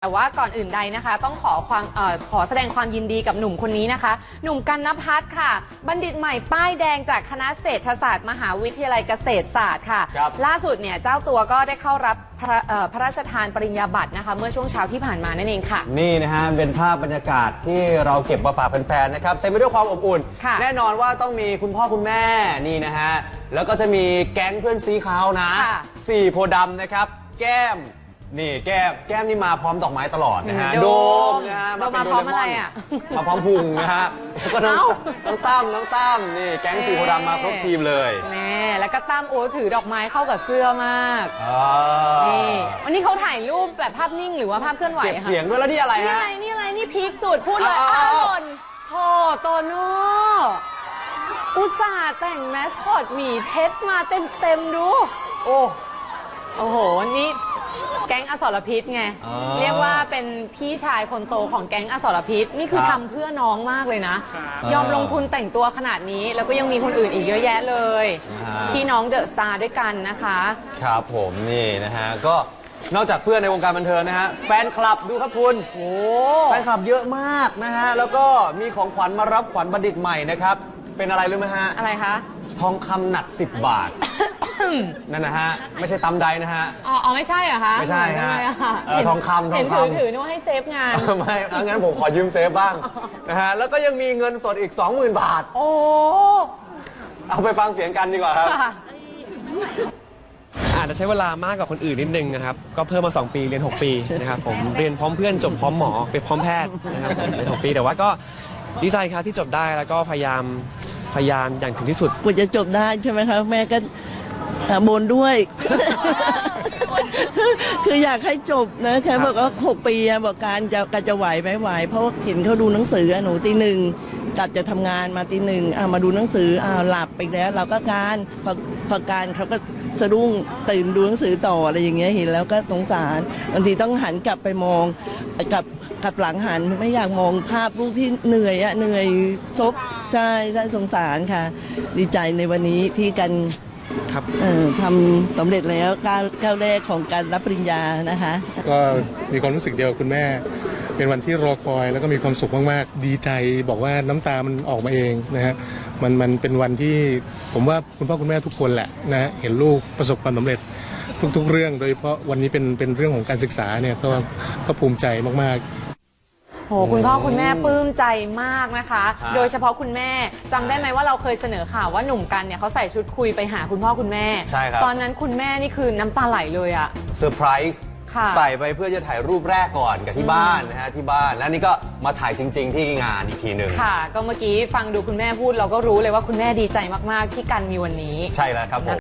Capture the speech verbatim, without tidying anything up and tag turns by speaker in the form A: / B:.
A: แต่ว่าก่อนอื่นใดนะคะต้องขอความเอ่อขอแสดงความยินดีกับหนุ่มคนนี้นะคะหนุ่มกันณภัทรค่ะบัณฑิตใหม่ป้ายแดงจากคณะเศรษฐศาสตร์มหาวิทยาลัยเกษตรศาสตร์ค่ะล่าสุดเนี่ยเจ้าตัวก็ได้เข้ารับพระพระราชทานปริญญาบัตรนะคะเมื่อช่วงเช้าที่ผ่านมานั่นเองค่ะ
B: นี่นะฮะเป็นภาพบรรยากาศที่เราเก็บมาฝากแฟนๆนะครับเต็มไปด้วยความอบอุ่นแน่นอนว่าต้องมีคุณพ่อคุณแม่นี่นะฮะแล้วก็จะมีแก๊งเพื่อนซีเขานะสี่โพธิ์ดำนะครับแก้มนี่แก้มแก้มนี่มาพร้อมดอกไม้ตลอดนะฮะโดมนะฮะ
A: มาเป็นโดเรมอน
B: มาพร้อมพุงนะฮะแล้วก็น้องน้องตั้มน้องตั้มนี่แก๊งสี่โพธิ์ดำมาครบทีมเลย
A: แม่แล้วก็ตั้มโอ้ถือดอกไม้เข้ากับเสื้อมากนี่วันนี้เขาถ่ายรูปแบบภาพนิ่งหรือว่าภาพเคลื่อนไหว
B: เก็บเสียงด้วยแล้วนี่อะไรฮะ
A: นี่อะไรนี่อะไรนี่พีคสุดพูดเลยอ้าวหล่นโธ่โตโน่อุตส่าห์แต่งแมสคอตหมีเท็ดมาเต็มเต็มดู
B: โอ้
A: โอ้โหนี่แก๊งอสรพิษไงเรียกว่าเป็นพี่ชายคนโตของแก๊งอสรพิษนี่คือทำเพื่อน้องมากเลยนะยอมลงทุนแต่งตัวขนาดนี้แล้วก็ยังมีคนอื่นอีกเยอะแยะเลยพี่น้องเดอะสตาร์ด้วยกันนะคะ
B: ครับผมนี่นะฮะก็นอกจากเพื่อนในวงการบันเทิงนะฮะแฟนคลับดูครับคุณโอ้แฟนคลับเยอะมากนะฮะแล้วก็มีของขวัญมารับขวัญบัณฑิตใหม่นะครับเป็นอะไรรู้ไหมฮะ
A: อะไรคะ
B: ทองคำหนักสิบบาทนั่นนะฮะไม่ใช่ตำใดนะฮะ
A: อ๋อไม่ใช่เหรอคะ
B: ไม่ใช่ฮะทองคำทองคำ
A: ถือถือนึกว่าให้เซฟงาน
B: ไม่งั้นผมขอยืมเซฟบ้างนะฮะแล้วก็ยังมีเงินสดอีก สองหมื่น บาท
A: โอ้
B: เอาไปฟังเสียงกันดีกว่าครับ
C: อาจจะใช้เวลามากกว่าคนอื่นนิดนึงนะครับก็เพิ่มมาสองปีเรียนหกปีนะครับผมเรียนพร้อมเพื่อนจบพร้อมหมอไปพร้อมแพทย์นะครับผมเรียนหกปีแต่ว่าก็ดีใจครับที่จบได้แล้วก็พยายามพยายามอย่างถึงที่สุด
D: กว่าจะจบได้ใช่ไหมครับแม่ก็บนด้วย คืออยากให้จบนะแค่บอกว่าหกปีบอกการจะการจะไหวไม่ไหวเพราะเห็นเขาดูหนังสือหนูตีหนึ่งกลับจะทำงานมาตีหนึ่งมาดูหนังสืออ้าวหลับไปแล้วเราก็การพอพอการเขาก็สะดุ้งตื่นดูหนังสือต่ออะไรอย่างเงี้ยเห็นแล้วก็สงสารบางทีต้องหันกลับไปมองกับกับหลังหันไม่อยากมองภาพลูกที่เหนื่อยอะเหนื่อยซบใช่ใช่สงสารค่ะดีใจในวันนี้ที่กัน
C: ครับ
D: ทำสำเร็จแล้วก้าวก้าวแรกของการรับปริญญานะคะ
E: ก็มีความรู้สึกเดียวคุณแม่เป็นวันที่รอคอยแล้วก็มีความสุขมากๆดีใจบอกว่าน้ำตามันออกมาเองนะฮะมันมันเป็นวันที่ผมว่าคุณพ่อคุณแม่ทุกคนแหละนะเห็นลูกประสบความสำเร็จทุกๆเรื่องโดยเฉพาะวันนี้เป็นเป็นเรื่องของการศึกษาเนี่ยก็ก็ภูมิใจมากๆ
A: โหคุณพ่อคุณแม่ปลื้มใจมากนะคะโดยเฉพาะคุณแม่จำได้ไหมว่าเราเคยเสนอข่าวว่าหนุ่มกันเนี่ยเขาใส่ชุดคุยไปหาคุณพ่อคุณแม่
B: ใช่ครับ
A: ตอนนั้นคุณแม่นี่คือน้ำตาไหลเลยอะ
B: เซอร์ไพรส์ใส่ไปเพื่อจะถ่ายรูปแรกก่อนกับที่บ้านนะฮะที่บ้านแล้วนี่ก็มาถ่ายจริงๆที่งานอีกทีหนึ่ง
A: ค่ะก็เมื่อกี้ฟังดูคุณแม่พูดเราก็รู้เลยว่าคุณแม่ดีใจมากๆที่กันมีวันนี้
B: ใช่แล้วครับผม